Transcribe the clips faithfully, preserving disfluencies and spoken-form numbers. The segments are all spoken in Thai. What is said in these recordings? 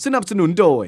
นับสนุนโดย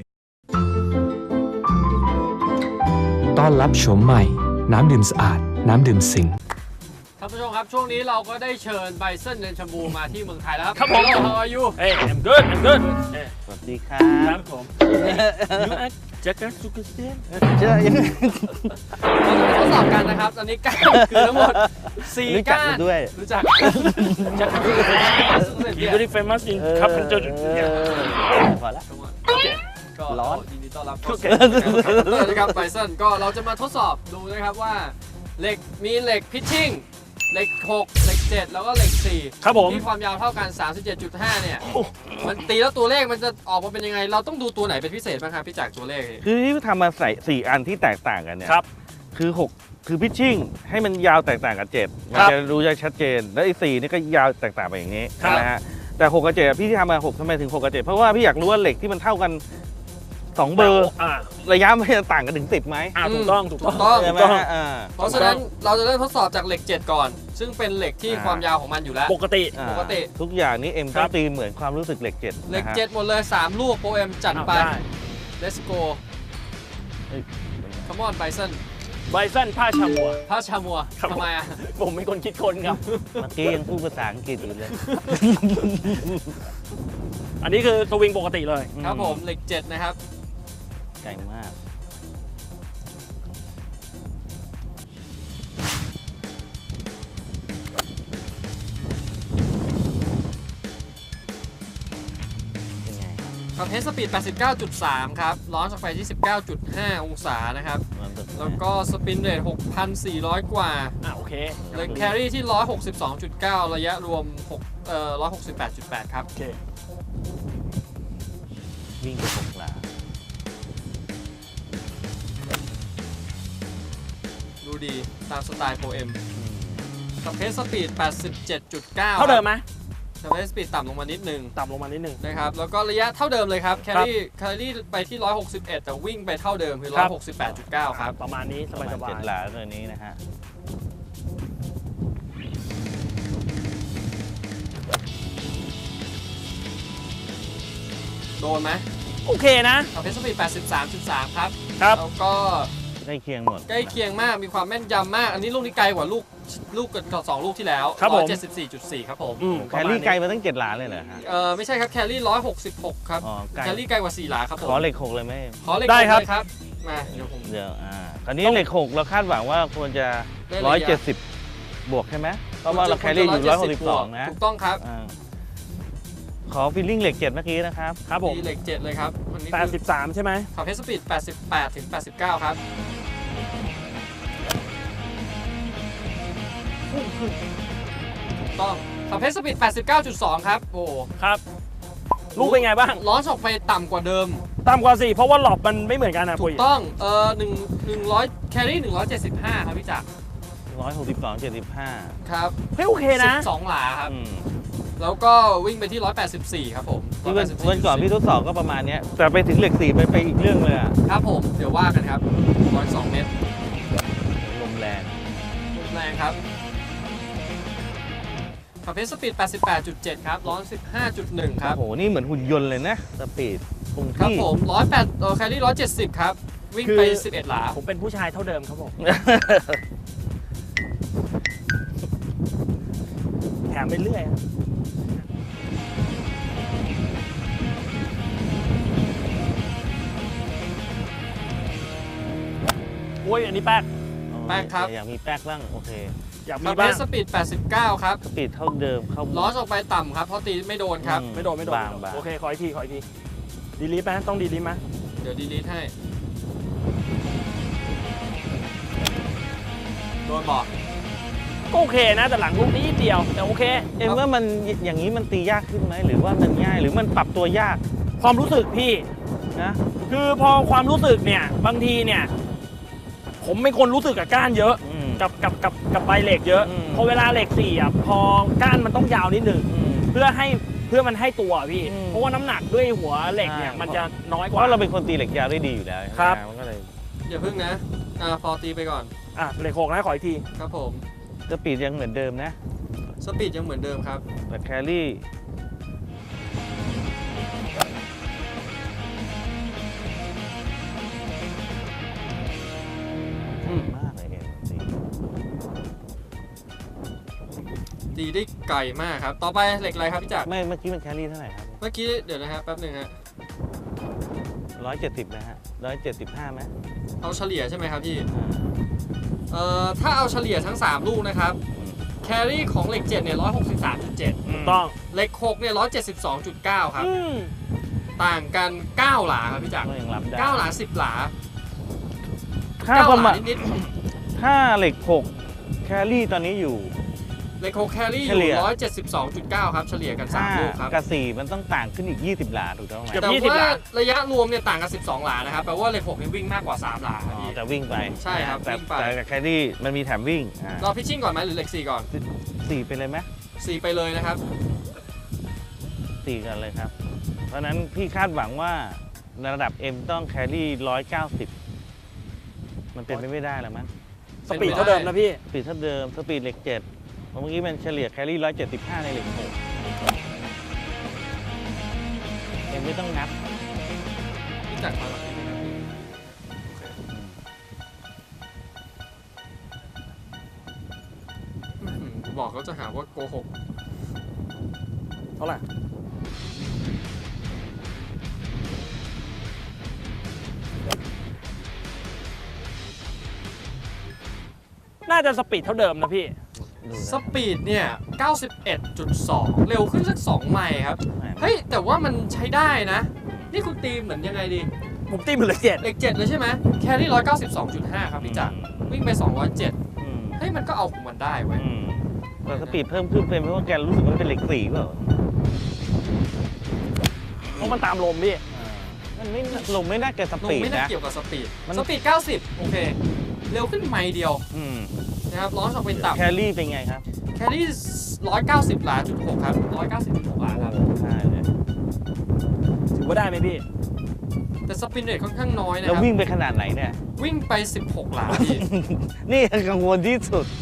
ต้อนรับโฉมใหม่น้ำดื่มสะอาดน้ำดื่มสิงท่านผู้ชมครับช่วงนี้เราก็ได้เชิญไบเซนเดนชัมบูมาที่เมืองไทยแล้วครับครับผม How are you เฮ้ย I'm good I'm good สวัสดีครัครับ บผม You are Jack and Sugarstein เจอยังเราจะมาทดสอบกันนะครับ ตอนนี้ก้านคือทั้งหมดสี่รู้จักก้านกันด้วยรู้จัก Jack and Sugarstein He's very famous in carpenter พอละก็ร้อนยินดีต้อนรับโอเคนะครับไบเซนก็เราจะมาทดสอบดูนะครับว่าเหล็กมีเหล็กพิชชิ่งเหล็กหกเหล็กเจ็ดแล้วก็เหล็กสี่ครับผมที่ความยาวเท่ากัน สามสิบเจ็ดจุดห้า เนี่ยมันตีแล้วตัวเลขมันจะออกมาเป็นยังไง เราต้องดูตัวไหนเป็นพิเศษบ้างครับพี่จากตัวเลขคือที่ทำมาใส่สี่อันที่แตกต่างกันเนี่ยครับคือหกคือพิชชิ่งให้มันยาวแตกต่างกับเจ็ดมัครับจะรู้ได้ชัดเจน แล้วไอ้สี่นี่ก็ยาวแตกต่างไปอย่างนี้ครับนะฮะแต่หกกับเจ็ดพี่ที่ทำมาหกทำไมถึงหกกับเจ็ดเพราะว่าพี่อยากรู้ว่าเหล็กที่มันเท่ากันสองเบอร์อ่าระยะมันจะต่างกันถึงสิบไหมอ่าถูกต้องถูกต้องถูกต้องใช่ไหมถูกต้องฮะอ่าเพราะฉะนั้นเราจะเริ่มทดสอบจากเหล็กเจ็ดก่อน ซึ่งเป็นเหล็กที่อ่าความยาวของมันอยู่แล้วปกติอ่าปกติทุกอย่างนี้เอ็มครัต้อบ งตีเหมือนความรู้สึกเหล็กเจ็ดเหล็กนะฮะเจ็ดหมดเลย สาม ลูกโปรเอ็มจัดไปได้ let's go เฮ้ย come on Bison ไบซันผ้าชามัวพระชามัวครับทำไมอ่ะผมเป็นคนคิดคนครับเมื่อกี้ยังพูดภาษาอังกฤษอยู่เลยอันนี้คือสวิงปกติเลยครับผมเหล็กเจ็ดนะครับไกลมาก เป็นไงขับเฮดสปีด แปดสิบเก้าจุดสาม ครับล้อนออกไปที่ สิบเก้าจุดห้า องศานะครับมันเป็นแล้วก็สปินเรท หกพันสี่ร้อย กว่าอ่าโอเคเลยแครี่ที่ หนึ่งร้อยหกสิบสองจุดเก้า ระยะรวม6เอ่อหนึ่งร้อยหกสิบแปดจุดแปด ครับโอเควิ่งไปหกหลาดูดีตามสไตล์โปรเอ็มกับเพสสปีด แปดสิบเจ็ดจุดเก้าเท่าเดิมไหมกับเพสสปีดต่ำลงมานิดนึงต่ำลงมานิดนึงนะครับ แล้วก็ระยะเท่าเดิมเลยครับ แครี่แครี่ไปที่ หนึ่งร้อยหกสิบเอ็ด แต่วิ่งไปเท่าเดิมคือ หนึ่งร้อยหกสิบแปดจุดเก้า ครับประมาณนี้สประบายมาณสบาเจ็ยดหลาตัวนี้นะฮะโดนไหมโอเคนะกับเพสสปีด แปดสิบสามจุดสาม ครับครับแล้วก็ใกล้เคียงหมดใกล้เคียงมากมีความแม่นยำมาก อันนี้ลูกนี้ไกลกว่าลูกลูกกับสองลูกที่แล้วครับผมหนึ่งร้อยเจ็ดสิบสี่จุดสี่ ครับผมอืมแคลรี่ไกลมาตั้งเจ็ดหลาเลยเหรอฮะเออไม่ใช่ครับแครี่หนึ่งร้อยหกสิบหกครับอ๋อไกลแครี่ไกลกว่าสี่หลาครับผมขอเหล็กหกเลยไหมขอเหล็กได้ครับเลยครับมาเดี๋ยวผมเดี๋ยวอ่าคราวนี้เหล็กหกเราคาดหวังว่าควรจะได้ระยะร้อยเจ็ดสิบบวกใช่ไหมเพราะว่าเราแคลรี่อยู่ร้อยหกสิบสองนะถูกต้องครับอ่าขอฟีลลิ่งเหล็กเจ็ดเมื่อกี้นะครับครับผมมีเหล็กเจ็ดเลยครับวันนี้แปดสิบสามใช่ไหมขับเฮสปีดแปดสิบแปดถึงแปดสิบเก้าครับถูกต้องขับเฮสปีด แปดสิบเก้าจุดสอง ครับโอ้ครับ ลูกเป็นไงบ้างล้อนออกไปต่ำกว่าเดิมต่ำกว่าสี่เพราะว่าหลอบมันไม่เหมือนกันนะถูปุ้กยต้องเอ่อหนึ่งหนึ่งร้อยแครี่หนึ่งร้อยเจ็ดสิบห้าครับพี่จักรร้อยหกสิบสองเจ็ดสิบห้าครับเฮ้ยโอเคนะสิบสองหลาครับอืมแล้วก็วิ่งไปที่หนึ่งร้อยแปดสิบสี่ครับผมที่วันวันก่อนพี่ทดสอบก็ประมาณเนี้ยแต่ไปถึงเหล็กสี่ไปไปอีกเรื่องเลยอะครับผมเดี๋ยวว่ากันครับหนึ่งร้อยสองเมตรลมแรงแรงครับขับเพสสปีด แปดสิบแปดจุดเจ็ด ครับร้อน สิบห้าจุดหนึ่ง ครับโอ้โหนี่เหมือนหุ่นยนต์เลยนะสปีดคงครับที่ผมหนึ่งร้อยแปดเออแคลรี่หนึ่งร้อยเจ็ดสิบครับ วิ่งไปคือสิบเอ็ดหลาผมเป็นผู้ชายเท่าเดิมครับผม แถมไปเรื่อยครับโอ้ยอันนี้แป๊กแป้งครับอยากมีแป๊กบ้างโอเคอยากขัมีบเพบ้างสสปีด แปดสิบเก้า ครับสปีดเท่าเดิมเข้าล้อนออกไปต่ำครับ เพราะตีไม่โดนครับอืไม่โดนไม่โดนบางบางโอเคขออีกทีขออีกทีดีลีทไหมต้องดีลีทไหมเดี๋ยวดีลีทให้ โดนบอกก็โอเคนะแต่หลังลูกนี้นิดเดียวแต่โอเคเอ็มว่ามันอย่างนี้มันตียากขึ้นไหมหรือว่ามันง่ายหรือมันปรับตัวยากความรู้สึกพี่นะคือพอความรู้สึกเนี่ยบางทีเนี่ยผมเป็นคนรู้สึกกับก้านเยอะอืมกับกับกับกับใบเหล็กเยอะอืมพอเวลาเหล็กสี่อ่ะพอก้านมันต้องยาวนิดหนึ่งอืมเพื่อให้เพื่อมันให้ตัวพี่อืมเพราะว่าน้ำหนักด้วยหัวเหล็กเนี่ยใช่มันจะน้อยกเพว่าราะเราเป็นคนตีเหล็กยาวได้ดีอยู่แล้วครับมันก็เลยอย่าพึ่งนะอ่าพอตีไปก่อนอ่ะเหล็กหกนะขออีกทีครับผมสปีดยังเหมือนเดิมนะสปีดยังเหมือนเดิมครับแต่แคลรี่ดีได้ไกลมากครับต่อไปเหล็กอะไรครับพี่จักรไม่เมื่อกี้มันแครี่เท่าไหร่ครับเมื่อกี้เดี๋ยวนะฮะแป๊บหนึ่งฮะร้อยเจ็ดสิบนะฮะร้อยเจ็ดสิบห้าไหมเอาเฉลี่ยใช่ไหมครับพี่เอ่อถ้าเอาเฉลี่ยทั้งสามลูกนะครับแครี่ของเหล็กเจ็ดเนี่ยร้อยหกสิบสามจุดเจ็ดต้องเหล็กหกเนี่ยร้อยเจ็ดสิบสองจุดเก้าครับอืมต่างกันเก้าหลาครับพี่จักรก็ยังรับได้เก้าหลาสิบหลาค่าเก้าประหมาลาณนิดถ้าเหล็กหกแครี่ตอนนี้อยู่ๆเหล็กหกแครี่อเฉลี่ยู่ยร้อยเจ็ดสิบสองจุดเก้าครับเฉลี่ยกันสามลูกครับกับสี่มันต้องต่างขึ้นอีกยี่สิบหลาถูกต้องไหมเกือบแต่ยี่สิบว่าหลาระยะรวมเนี่ยต่างกันสิบสองหลานะครับแปลว่าเหล็กหกเนี่ยวิ่งมากกว่าสามหลาครับอ๋อพี่แต่วิ่งไปใช่ครับแต่วิ่งไปแต่กับแครี่มันมีแถมวิ่งอ่าเราพิชชิ่งก่อนไหมหรือเหล็กสี่ก่อนสี่ไปเลยไหมสี่ไปเลยนะครับสี่กันเลยครับ เพราะฉะนั้นพี่คาดหวังว่าระดับ M ต้องแครี่ร้อยเก้าสิบมันเป็นไปไม่ได้แล้วมั้งสปีดเท่าเดิมนะพี่สปีดเท่าเดิมสปีดเหล็กเจ็ดเมื่อกี้มันเฉลี่ยแครี่ร้อยเจ็ดสิบห้าในเหล็กหกเอ็มไม่ต้องนับพี่จักรมาแบบนี้นะครับพี่อื้อหือบอกเขาจะหาว่าโกหกเท่าไหร่น่าจะสปีดเท่าเดิมนะพี่ดูสนะปีดเนี่ย เก้าสิบเอ็ดจุดสอง เร็วขึ้นสักสองไมล์ครับไม่เฮ้ย แต่ว่ามันใช้ได้นะ นี่คุณตีเหมือนยังไงดีผมตีมือเหลือเจ็ดเหล็กเจ็ดเลยใช่ไหมแครี่ร้อยเก้าสิบสองจุดห้าครับพี่จักรวิ่งไปสองร้อยเจ็ดอืมเฮ้ย มันก็เอาของมันได้เว้ยอืมแต่สปีดเพิ่มขึ้นเป็นเพราะว่าแกรู้สึกว่ามันเป็นเหล็กสี่เปล่าเพราะมันตามลมพี่อ่ามันไม่ลงไม่น่าจะสลงปีดไม่น่านะเกี่ยวกับสปีดมันสปีดเก้าสิบโอเค เร็วขึ้นไมล์เดียวอืมนะครับร้อนออกเป็นต่ำแครี่เป็นไงครับแครี่ร้อยเก้าสิบหลาจุดหกครับร้อยเก้าสิบจุดหกหลาครับใช่เลยถือว่าได้ไหมพี่แต่สปินเรทค่อนข้างน้อยนะแล้วครับวิ่งไปขนาดไหนเนี่ยวิ่งไปสิบหกหลาพี่นี่กังวลที่สุด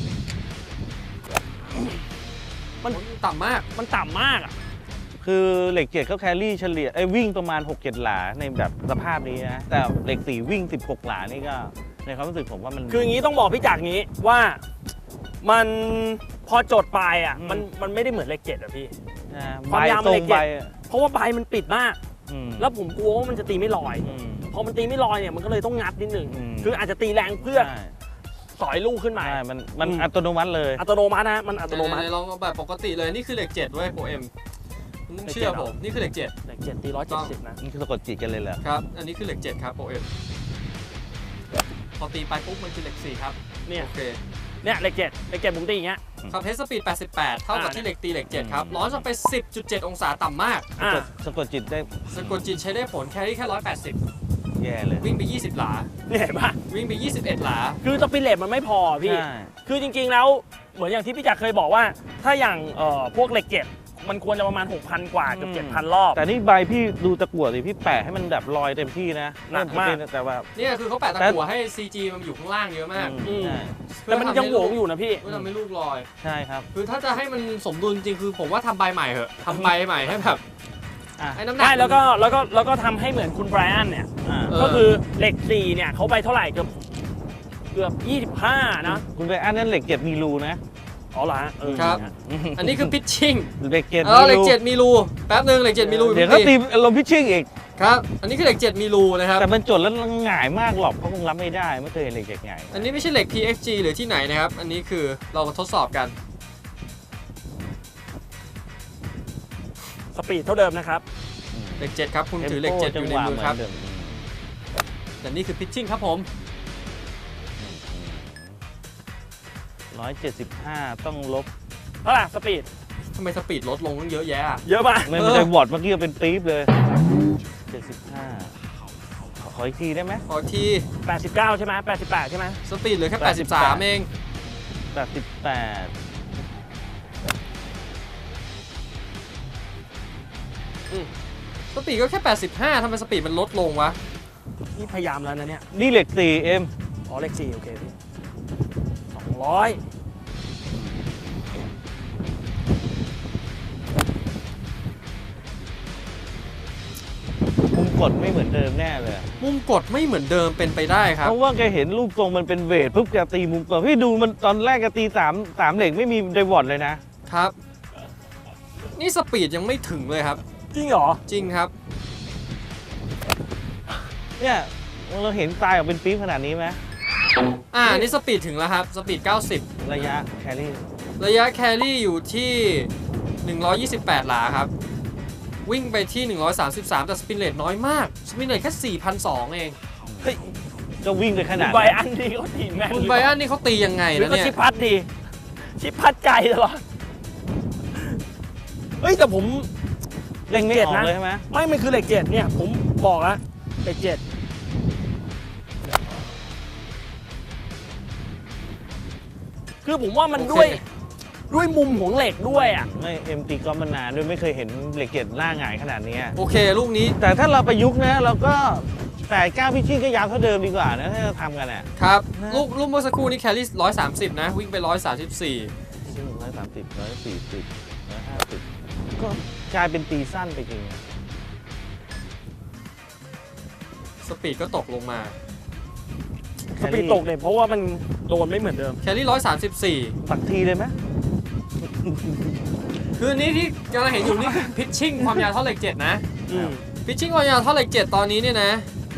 มันต่ำมากมันต่ำมากอ่ะคือเหล็กเจ็ดเขาแครี่เฉลี่ยไอ้ยวิ่งประมาณ หกเจ็ด หลาในแบบสภาพนี้นะ แต่เหล็กสี่วิ่ง สิบหก หลานี่ก็ในความรู้สึกผมว่ามันคืออย่างนี้ต้องบอกพี่จักรงี้ว่ามันพอจดปลายอ่ะอืมมันมันไม่ได้เหมือนเลขเจ็ดอ่ะพี่นะความใบยาวตรเหล็งกใบเจ็ด เพราะว่าใบมันปิดมากอืมแล้วผมกลัวว่ามันจะตีไม่ลอยอืมพอมันตีไม่ลอยเนี่ยมันก็เลยต้องงัดนิดหนึ่งอืมคืออาจจะตีแรงเพื่อใช่สอยลูกขึ้นมาใช่มันมันอืมอัตโนมัติเลยอัตโนมัตินะมันอัตโนมัติไหๆลองเอาแบบปกติเลยนี่คือเหล็กเจ็ดเว้ยโปรเอ็มคุณต้องเชื่อผมนี่คือเหล็กเจ็ดเลขเจ็ดตีร้อยเจ็ดสิบนะนี่คือสะกดจิตกันเลยเหรอครับ อันนี้คือเหล็กเจ็ดครับโปรเอ็มพอตีไปปุ๊บมันคือเหล็กสี่ครับเนี่ยโอเคเนี่ยเลขเจ็ดเลขเจ็ดผมตีอย่างเงี้ยครับเฮสปีดแปดสิบแปดเท่ากับอ่าที่เหล็กตีเหล็กเจ็ดครับร้อนออกไป สิบจุดเจ็ด องศาต่ำมากอ่าสะกดจิตได้สะกดจิตใช้ได้ผลแครี่แค่หนึ่งร้อยแปดสิบแย่เลยวิ่งไปยี่สิบหลาเนี่ยเห็นปะวิ่งไปยี่สิบเอ็ดหลาคือสปินเลตมันไม่พอพี่ใช่คือจริงๆแล้วเหมือนอย่างที่พี่จักรเคยบอกว่า ถ้าอย่างเอ่อพวกเหล็กเจ็ดมันควรจะประมาณ หกพัน กว่าเกือบอืมเจ็ดพัน รอบแต่นี่ใบพี่ดูตะกั่วสิพี่แปะให้มันแบบลอยเต็มที่นะหนักมากแต่ว่าเนี่ยคือเขาแปะตะกั่วให้ ซี จี มันอยู่ข้างล่างเยอะมากอืมใช่แต่มันยังโหวงอยู่นะพี่เพื่อทำให้ลูกลอยใช่ครับคือถ้าจะให้มันสมดุลจริงคือผมว่าทำใบใหม่เหอะทำใบใหม่ให้แบบอ่ะให้น้ำหนักใช่แล้วก็แล้วก็แล้วก็ทำให้เหมือนคุณไบรอันเนี่ยอ่าเออก็คือเหล็กสี่เนี่ยเขาไปเท่าไหร่เกือบเกือบยี่สิบห้านะคุณไปอันนั้นเหล็กเจ็ดมีรูนะอ๋อเหรอฮะเออครับ อันนี้คือพิชชิ่งเหล็กเจ็ดเออเหล็กเจ็ดมีรูแป๊บนึงเหล็กเจ็ดมีรูเดี๋ยวเขาตีลมพิชชิ่งอีกครับ อันนี้คือเหล็กเจ็ดมีรูนะครับแต่มันจดแล้วหง่ายมากหรอกเขาคงรับไม่ได้ไม่เคยเห็นเหล็กเจ็ดหง่ายอันนี้ไม่ใช่เหล็ก พี เอ็กซ์ จี หรือที่ไหนนะครับ อันนี้คือเราทดสอบกันสปีดเท่าเดิมนะครับเหล็กเจ็ดครับคุณถือเหล็กเจ็ดอยู่ในมือครับเดิมแต่นี่คือพิชชิ่งครับผมร้อยเจ็ดสิบห้าต้องลบเท่าไหร่สปีดทำไมสปีดลดลงตั้งเยอะแยะอะเยอะมากไม่เออไม่ได้วอร์ดเมื่อกี้เป็นปี๊บเลยเจ็ดสิบห้าขอขออีกทีได้ไหมขอทีแปดสิบเก้าใช่ไหมแปดสิบแปดใช่ไหมสปีดเหลือแค่ แปดสิบสาม เองแปดสิบแปดสปีดก็แค่ แปดสิบห้าทำไมสปีดมันลดลงวะนี่พยายามแล้วนะเนี่ยนี่เหล็กสี่เอ็มอ๋อเลขสี่โอเคพี่สองร้อยมุมกดไม่เหมือนเดิมแน่เลยมุมกดไม่เหมือนเดิมเป็นไปได้ครับเพราะว่าแกเห็นรูปทรงมันเป็นเวทปุ๊บแกตีมุมกดพี่ดูมันตอนแรกแกตีสามสามเหล็กไม่มีไดวอร์ดเลยนะครับ นี่สปีดยังไม่ถึงเลยครับจริงเหรอจริงครับเนี่ยเราเห็นตายออกเป็นปี๊บขนาดนี้ไหมอ่า นี่สปีดถึงแล้วครับ สปีดเก้าสิบระยะแครี่ระยะแครี่อยู่ที่ หนึ่งร้อยยี่สิบแปด หลาครับ วิ่งไปที่ หนึ่งร้อยสามสิบสาม แต่สปินเรทน้อยมาก สปินเรทแค่ สี่พันสองร้อย เองเฮ้ยก็วิ่งไปขนาดไบอันนี่เขาตีแม่นคุณไบรอันนี่เขาตียังไงหรือนะก็เนี่ยชิปพัดดี ชิปพัดใจตลอด เฮ้ย แต่ผมเล่งไม่ออกนะเลยใช่ไหมไม่มันคือเหล็กเจ็ดเนี่ย ผมบอกแล้วเหล็กเจ็ดคือผมว่ามันโอเคด้วยด้วยมุมของเหล็กด้วยอ่ะไม่เอ็มตีก็มานานด้วยไม่เคยเห็นเหล็กเกล็ดหน้าหงายขนาดนี้โอเค ลูกนี้แต่ถ้าเราประยุกต์นะเราก็แปดเก้าพิชชิ่งก็ยาวเท่าเดิมดีกว่านะถ้าเราทำกันอ่ะครับนะลูกลูกเมื่อสักครู่นี้แครี่ร้อยสามสิบนะ วิ่งไปร้อยสามสิบสี่ร้อยสามสิบร้อยสี่สิบร้อยห้าสิบก็กลายเป็นตีสั้นไปจริงสปีดก็ตกลงมาสปีดตกเนี่ยเพราะว่ามันโดนไม่เหมือนเดิมแครี่ร้อยสามสิบสี่สักทีเลยไหมคือนี้ที่กำลังเห็นอยู่นี่คือพิชชิ่งความยาวเท่าเหล็กเจ็ดนะอืมพิชชิ่งความยาวเท่าเหล็กเจ็ดตอนนี้เนี่ยนะ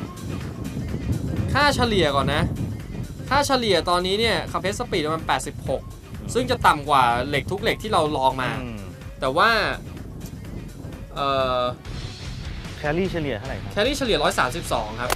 ค่าเฉลี่ยก่อนนะ ค่าเฉลี่ยตอนนี้เนี่ยคาเพสสปีดประมาณแปดสิบหก ซึ่งจะต่ำกว่าเหล็กทุกเหล็กที่เราลองมาอืมแต่ว่าเอ่อแคลรี่เฉลี่ยเท่าไหร่ครับแครี่เฉลี่ยร้อยสามสิบสองครับ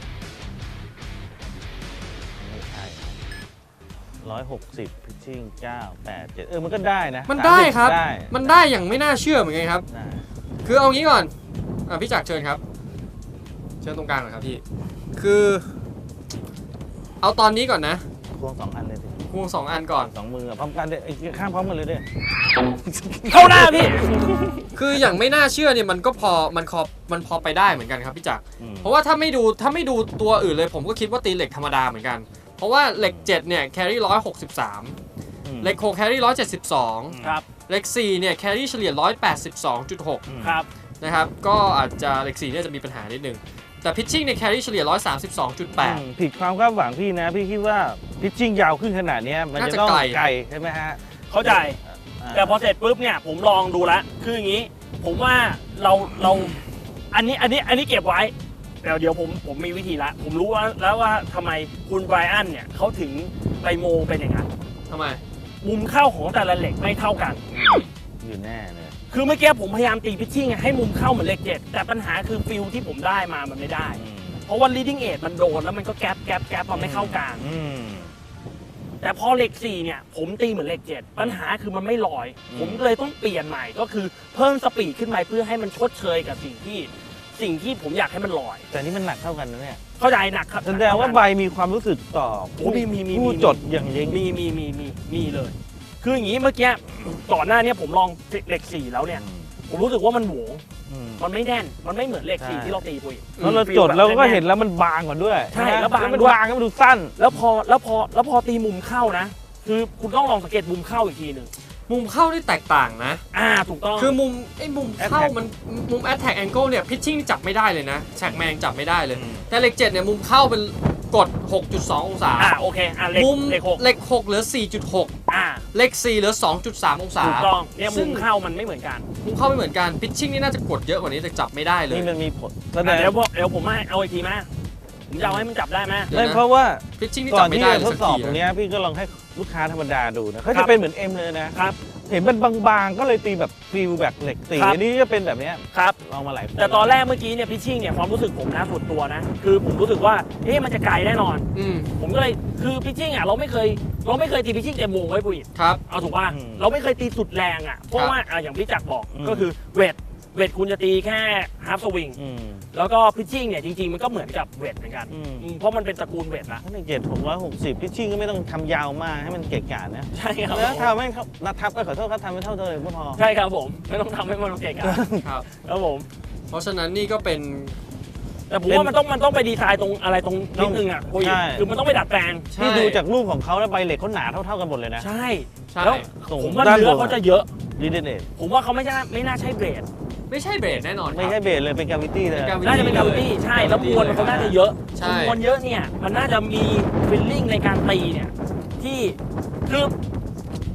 ไม่ใช่ร้อยหกสิบพิชชิ่งเก้าแปดเจ็ดเออมันก็ได้นะมันได้ครับได้มันได้อย่างไม่น่าเชื่อเหมือนกันครับได้คือเอางี้ก่อนอ่ะพี่จักรเชิญครับ เชิญตรงกลางหน่อยครับพี่ คือ เอาตอนนี้ก่อนนะควงสองอันเลยสิควงสองอันก่อนสองมือพร้อมกันเด้อไอ้ข้างพร้อมกันเลยเด้อเข้าหน้าพี่คืออย่างไม่น่าเชื่อเนี่ยมันก็พอมันพอมันพอไปได้เหมือนกันครับพี่จักรอืมเพราะว่าถ้าไม่ดูถ้าไม่ดูตัวอื่นเลยผมก็คิดว่าตีเหล็กธรรมดาเหมือนกัน เพราะว่าเหล็กเจ็ดเนี่ยแครี่ร้อยหกสิบสามอืมเหล็กหกแครี่ร้อยเจ็ดสิบสองครับเหล็กสี่เนี่ยแครี่เฉลี่ยร้อยแปดสิบสองจุดหกอืมครับนะครับก็อาจจะเหล็กสี่เนี่ยจะมีปัญหานิดนึงแต่พิชชิ่งเนี่ยแครี่เฉลี่ยร้อยสามสิบสองจุดแปดอืมผิดความคาดหวังพี่นะ พี่คิดว่าพิชชิ่งยาวขึ้นขนาดเนี้ยมันน่าจะจะต้องไกลไกลใช่ไหมฮะเข้าใจอ่าแต่พอเสร็จปุ๊บเนี่ยผมลองดูแล้วคืออย่างนี้ ผมว่าเราเราอันนี้อันนี้อันนี้เก็บไว้แต่เดี๋ยวผมผมมีวิธีละผมรู้ว่าแล้วว่าทำไมคุณไบรอันเนี่ยเขาถึงไปโมเป็นอย่างนั้นทำไมมุมเข้าของแต่ละเหล็กไม่เท่ากันอยู่แน่เลยคือเมื่อกี้ผมพยายามตีพิชชิ่งให้มุมเข้าเหมือนเหล็กเจ็ดแต่ปัญหาคือฟิลที่ผมได้มามันไม่ได้อืมเพราะว่า leading edge มันโดนแล้วมันก็แก๊ปแก๊ปแก๊ปมันไม่เข้ากลางอืมแต่พอเหล็กสี่เนี่ยผมตีเหมือนเหล็กเจ็ดปัญหาคือมันไม่ลอยอืมผมเลยต้องเปลี่ยนใหม่ก็คือเพิ่มสปีดขึ้นไปเพื่อให้มันชดเชยกับสิ่งที่สิ่งที่ผมอยากให้มันลอยแต่นี่มันหนักเท่ากันนะเนี่ยเข้าใจหนักครับแสดงว่าใบมีความรู้สึกต่อโอ้มีมีมีผู้มีจดอย่างยิ่งมีมีมีมีมีเลย คืออย่างนี้เมื่อกี้ก่อนหน้านี้ผมลองเหล็กสี่แล้วเนี่ยผมรู้สึกว่ามันโหวงอืมมันไม่แน่นมันไม่เหมือนเหล็กสี่ใช่ที่เราตีปุยแล้วเราจดเราก็เห็นแล้วมันบางกว่าด้วยใช่ไหมแล้วบางมันด้วยบางก็มันดูสั้นแล้วพอแล้วพอแล้วพอตีมุมเข้านะ คือคุณต้องลองสังเกตมุมเข้าอีกทีหนึ่งมุมเข้านี่แตกต่างนะอ่าถูกต้องคือมุมไอ้มุมเข้า Attack มันมุม attack angle เนี่ยพิชชิ่งจับไม่ได้เลยนะแฉกแมงจับไม่ได้เลยอืมแต่เหล็กเจ็ดเนี่ยมุมเข้าเป็นกด หกจุดสอง องศาอ่าโอเคอ่าเหล็กมุมเหล็กหกเหล็กหกเหลือ สี่จุดหกอ่าเหล็กสี่เหลือ สองจุดสาม องศาถูกต้องเนี่ยซึ่มุงมเข้ามันไม่เหมือนกันมุมเข้าไม่เหมือนกันพิชชิ่งนี่น่าจะกดเยอะกว่านี้แต่จับไม่ได้เลยนี่มันมีผลแสดอ่ะงเดี๋ยวพอเดี๋ยวผมให้เอาอีกทีมาผมจะเอาให้มันจับได้ไหมเดี๋ยวไม่นะเพราะว่าพิชชิ่งนี่ก่จัอบ นไม่ที่ได้จะเลยทดสักสอบทีตรงนะเนี้ยพี่ก็ลองให้ลูกค้าธรรมดาดูนะเขาครัจะบเป็นเหมือนเอ็มเลยนะครับ เห็นมันบางๆก็เลยตีแบบฟิลแบบเหล็กตีครับอันนี้จะเป็นแบบเนี้ยครับลองมาหลายคนแต่ตอนแรกเมื่อกี้เนี่ยพิชชิ่งเนี่ยความรู้สึกผมนะส่วนตัวนะ คือผมรู้สึกว่าเอ๊ะมันจะไกลแน่นอนอืมผมก็เลยคือพิชชิ่งอ่ะเราไม่เคยเราไม่เคยตีพิชชิ่งเต็มวงไว้ปุ้ยครับเอาถูกป่ะเราไม่เคยตีสุดแรงอ่ะเพราะว่าอ่ะอย่างพี่จักรบอกก็คือเวทเวทคุณจะตีแค่ฮาร์ฟสวิงอืมแล้วก็พิชชิ่งเนี่ยจริงๆมันก็เหมือนกับเวทเหมือนกันอืมอืมเพราะมันเป็นตระกูลเวทนะถ้าในเกตหกร้อยหกสิบพิชชิ่งก็ไม่ต้องทำยาวมากให้มันเกะกะนะใช่ครับแล้วทำไม่เท่านัดทับก็ขอโทษครับทำไม่เท่าเดิมก็พอใช่ครับผมไม่ต้องทำให้มันเก่งอ่ะครับครับผมเพราะฉะนั้นนี่ก็เป็นแต่ผมว่ามันต้องมันต้องไปดีไซน์ตรงอะไรตรงนิดนึงอ่ะปุ้ยใช่คือมันต้องไปดัดแปลงใช่ที่ดูจากรูปของเขาแล้วใบเหล็กเขาหนาเท่าๆกันหมดเลยนะใช่ใช่แล้วตรงผมว่าด้านเนื้บอน เขาจะเยอะดีเดเนตผมว่าเขาไม่ใช่ไม่น่าใช่เบรดไม่ใช่เบรดแน่นอนครับไม่ใช่เบสเลยเป็นกาวิตี้เลยเป็นน่าจะเป็นกาวิตี้ใช่แล้วมวลเขาน่าจะเยอะใช่มวลเยอะเนี่ยมันน่าจะมีฟิลลิ่งในการตีเนี่ยที่คือ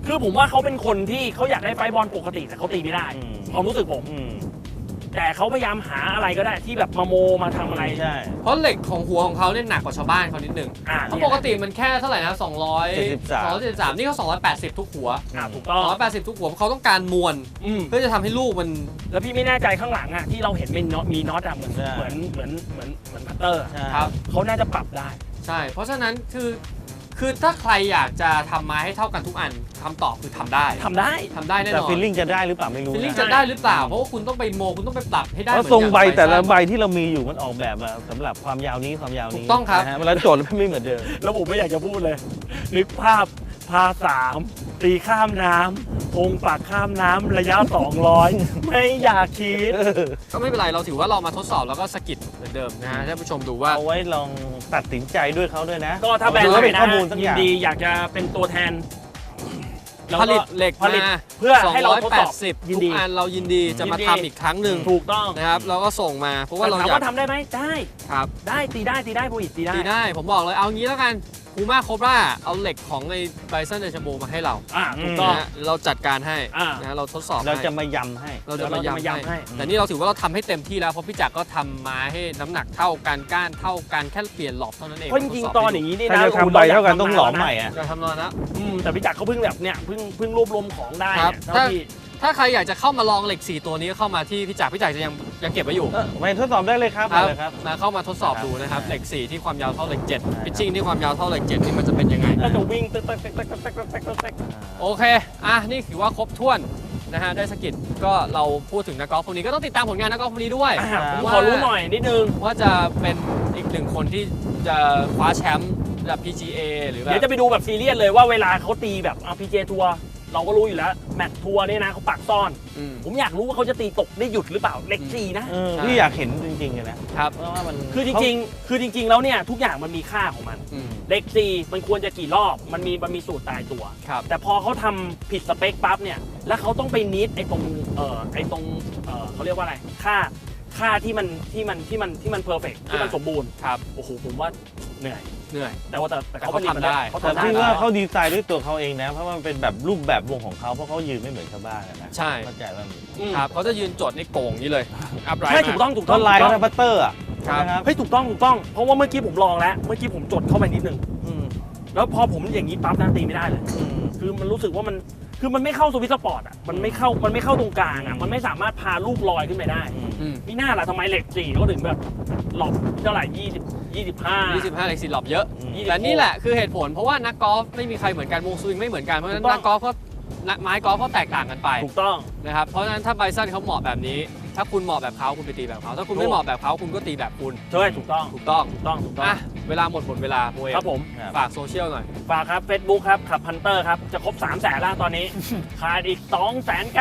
คือผมว่าเขาเป็นคนที่เขาอยากได้ไฟบอลปกติแต่เขาตีไม่ได้อืมความรู้สึกผมอืมแต่เขาพยายามหาอะไรก็ได้ที่แบบมาโมมาทำอะไรใช่เพราะเหล็กของหัวของเขาเนี่ยหนักกว่าชาวบ้านเขานิดนึงอ่าเขาปกติมันแค่เท่าไหร่นะสองร้อยเจ็ดสิบสามสองร้อยเจ็ดสิบสามนี่เขาสองร้อยแปดสิบทุกหัวอ่าถูกสต้ออง งร้อยแปดสิบทุกหัวเพราะเขาต้องการมวลอืมเพื่อจะทำให้ลูกมันแล้วพี่ไม่แน่ใจข้างหลังอ่ะที่เราเห็นเป็นน็อตมีน็อตอ่ะเหมือนใช่เหมือนเหมือนเหมือนเหมือนพัตเตอร์อะใช่ครับเขาน่าจะปรับได้ใช่ เพราะฉะนั้นคือคือถ้าใครอยากจะทำไม้ให้เท่ากันทุกอันคำตอบคือทำได้ทำได้ทำได้แน่นแต่อนฟีลลิ่งจะได้หรือเปล่าไม่รู้ฟีลลิ่งนะจะได้หรือเปล่า เพราะว่าคุณต้องไปโมคุณต้องไปปรับให้ได้เพเหมืราะอนทรงใบอย่างแต่ละไบใบที่เรามีอยู่มันออกแบบมาสำหรับความยาวนี้ความยาวนี้ถูกต้องครับนะฮะเวลาโจทย์แล้วไม่เหมือนเดิมแล้วผมไม่อยากจะพูดเลย นึกภาพพาสามตีข้ามน้ำธงปักข้ามน้ำระยะ สองร้อย ไม่อยากคิดก็ไม่เป็นไรเราถือว่าเรามาทดสอบแล้วก็สกิดเหมือนเดิมนะฮะให้ผู้ชมดูว่าเอาไว้ลองตัดสินใจด้วยเขาด้วยนะก็ถ้าแบรนด์เอไหนเป็นนะข้อมูลสักยิอน ย่างดีอยากจะเป็นตัวแทนแล้วผก็ลิตเหล็กผลิตมาเพื่อให้เราทดสอบสองร้อยแปดสิบยินทุดีกอันเรายินดีจะมายินดีทำอีกครั้งหนึ่งถูกต้องนะครับเราก็ส่งมาเพราะว่าแต่เราถามอยากว่าทำได้ไหมได้ครับได้ตีได้ตีได้โบอิตตีได้ดีได้ผมบอกเลยเอางี้แล้วกันคูมาโคบราเอาเหล็กของในไบซันเดชโบมาให้เราอ่าถูกต้องนะฮะเราจัดการให้อ่านะฮะเราทดสอบเราให้จะมายำให้เราจะเราจะมามายำย้ำให้ให้ แต่นี่เราถือว่าเราทำให้เต็มที่แล้วเพราะพี่จักรก็ทำมาให้น้ำหนักเท่ากันก้านเท่ากันแค่เปลี่ยนหลอบเท่านั้นเองเพราะจริงๆตอนอย่างนี้นี่ถ้านะจะทำใบเท่ากันต้องหลอมใหม่อ่ะจะทำนอนนะอืมแต่พี่จักรเขาเพิ่งแบบเนี่ยเพิ่งเพิ่งรวบรวมของได้ครับเนี่ยเท่าที่ถ้าใครอยากจะเข้ามาลองเหล็กสี่ตัวนี้ก็เข้ามาที่พี่จักรพี่จักรจะยังยังเก็บไว้อยู่เออไปทดสอบได้เลยครับครับมาเลยครับมาเข้ามาทดสอบดูนะครับครับเหล็กสี่ที่ความยาวเท่าเหล็กเจ็ดครับพิชชิ่งที่ความยาวเท่าเหล็กเจ็ดนี่มันจะเป็นยังไงก็จะวิ่งตึ๊กตึ๊กตึ๊กตึ๊กตึ๊กตึ๊กตึ๊กตึ๊กตึ๊กโอเค อ่ะ นี่ถือว่าครบถ้วนนะฮะ ได้สกิดก็เราพูดถึงนักกอล์ฟคนนี้ก็ต้องติดตามผลงานนักกอล์ฟคนนี้ด้วยอ่ะผมว่าขอรู้หน่อยนิดนึงว่าจะเป็นอีกหนึ่งคนที่จะคว้าแชมป์ระดับ พี จี เอ หรือแบเดี๋ยวบจะไปดูแบบซีเรียสเลยว่าเวลาเขาตีแบบเอาพีเจทัวร์เราก็รู้อยู่แล้วแมตช์ทัวร์เนี่ยนะเขาปักซ่อนอืมผมอยากรู้ว่าเขาจะตีตกได้หยุดหรือเปล่าเล็กสี่นะเออใช่พี่อยากเห็นจริงๆเลยนะครับ เพราะว่ามันคือจริงๆ คือจริง ๆ แล้วเนี่ยทุกอย่างมันมีค่าของมันอืมเล็กสี่มันควรจะกี่รอบมันมีมันมีสูตรตายตัวครับแต่พอเขาทำผิดสเปคปั๊บเนี่ยแล้วเขาต้องไปนิดไอ้ตรงเอ่อไอ้ตรงเอ่อเขาเรียกว่าอะไรค่าค่าที่มันที่มันที่มันที่มันเพอร์เฟกที่มันอ่าสมบูรณ์ครับโอ้โหผมว่าเหนื่อยเหนื่อยแต่ว่าแต่แต่แต่เขาเขาผลิตมันทำได้เขาแต่ทำได้พี่ว่าเขาดีไซน์ด้วยตัวเขาเองนะ เพราะมันเป็นแบบรูปแบบวงของเขาเพราะเขายืนไม่เหมือนชาวบ้านอะนะใช่เข้าใจว่าอืมครับเขาจะยืนจดในโก่งนี้เลยอัพไรใช่ถูกต้องถูกต้ต้องนลายถูเขากต้องทำบัตเตอร์อ่ะครับนะครับเฮ้ยถูกต้องถูกต้องเพราะว่าเมื่อกี้ผมลองแล้วเมื่อกี้ผมจดเข้าไปนิดนึงอืมแล้วพอผมอย่างนี้ปั๊บนะตีไม่ได้เลยอืมคือมันรู้สึกว่ามันคือมันไม่เข้าสวิตช์สปอร์ตอ่ะมันไม่เข้ามันไม่เข้าตรงกลางอ่ะมันไม่สามารถพาลูกลอยขึ้นไปได้อืมอืมมีหน้าล่ะทำไมเหล็กสี่เขาถึงแบบหลบเท่าไหร่ยี่สิบยี่สิบห้ายี่สิบห้าเหล็กสี่หลอบเยอะอืมและนี่แหละคือเหตุผลเพราะว่านักกอล์ฟไม่มีใครเหมือนกันวงสวิงไม่เหมือนกันเพราะฉะนั้นถูกต้องนักกอล์ฟก็นักไม้กอล์ฟก็แตกต่างกันไปถูกต้องนะครับ เพราะฉะนั้นถ้าไบซันเขาเหมาะแบบนี้ ถ้าคุณเหมาะแบบเขาคุณไปตีแบบเขา ถ้าคุณถูไม่กเหมาะแบบเขาคุณก็ตีแบบคุณใช่ถูกต้องถูกต้องถูกต้องถูกต้องอ่ะ เวลาหมดหมดเวลาโมเอครับผมครับฝากโซเชียลหน่อยฝากครับ Facebook ครับขับพันเตอร์ครับ จะครบ3 0 0แสนแล้วตอนนี้ ขาดอีก 2 9 9 9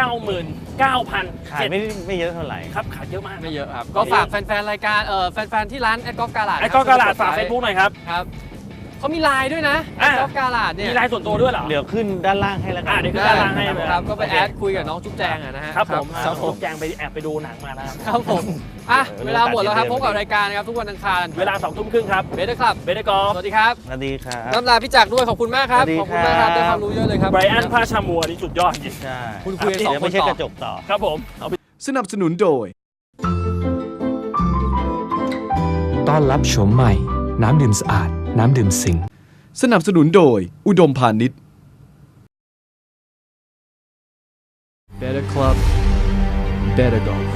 0 0 ขายไม่ไม่เยอะเท่าไหร่ครับขาดเยอะมากไม่เยอะครับ ก็ฝากแฟนๆ รายการ เอ่อ แฟนๆ ที่ร้านแอดกอล์ฟกาลาดไอ้ก็กระดาษฝาก Facebook หน่อยครับครับเขามีไลน์ด้วยนะแออ่ะดกอล์ฟกาลาดเนี่ยมีไลน์ส่วนตัวด้วยเหรอเดี๋ยวขึ้นด้านล่างให้แล้วกัอ่ะนเดี๋ยวขึ้นด้านล่างให้ครับ ก็ไปแอดคุยกับน้องจุ๊บแจงอะนะฮะครับผมครับผมแจงไปแอบไปดูหนังมานะครับครับผม อ่ะเออเวลาหมดแล้วครับเดี๋พยวบกับรายการนะครับ ทุกวันอังคารเวลาสองทุ่มครึ่งครับเบสครับเบเดกอล์ฟสวัสดีครับสวัสดีครับน้ำลาพี่จักรด้วย ขอบคุณมากครับสวัสดีขอบคุณมากครับครับได้ความรู้เยอะเลยครับไบรอันพาชามัวนี่สุดยอดจริงใช่คุณคุยกันสองเดี๋ยวคนไม่ใช่ต่อกระจกต่อครับผมเอาไปสนับสนุนโดยต้อนรับโฉมใหม่ น้ำดื่มสะอาด น้ำดื่มสิงสนับสนุนโดย อุดมพาณิชย์ Better Club Better Golf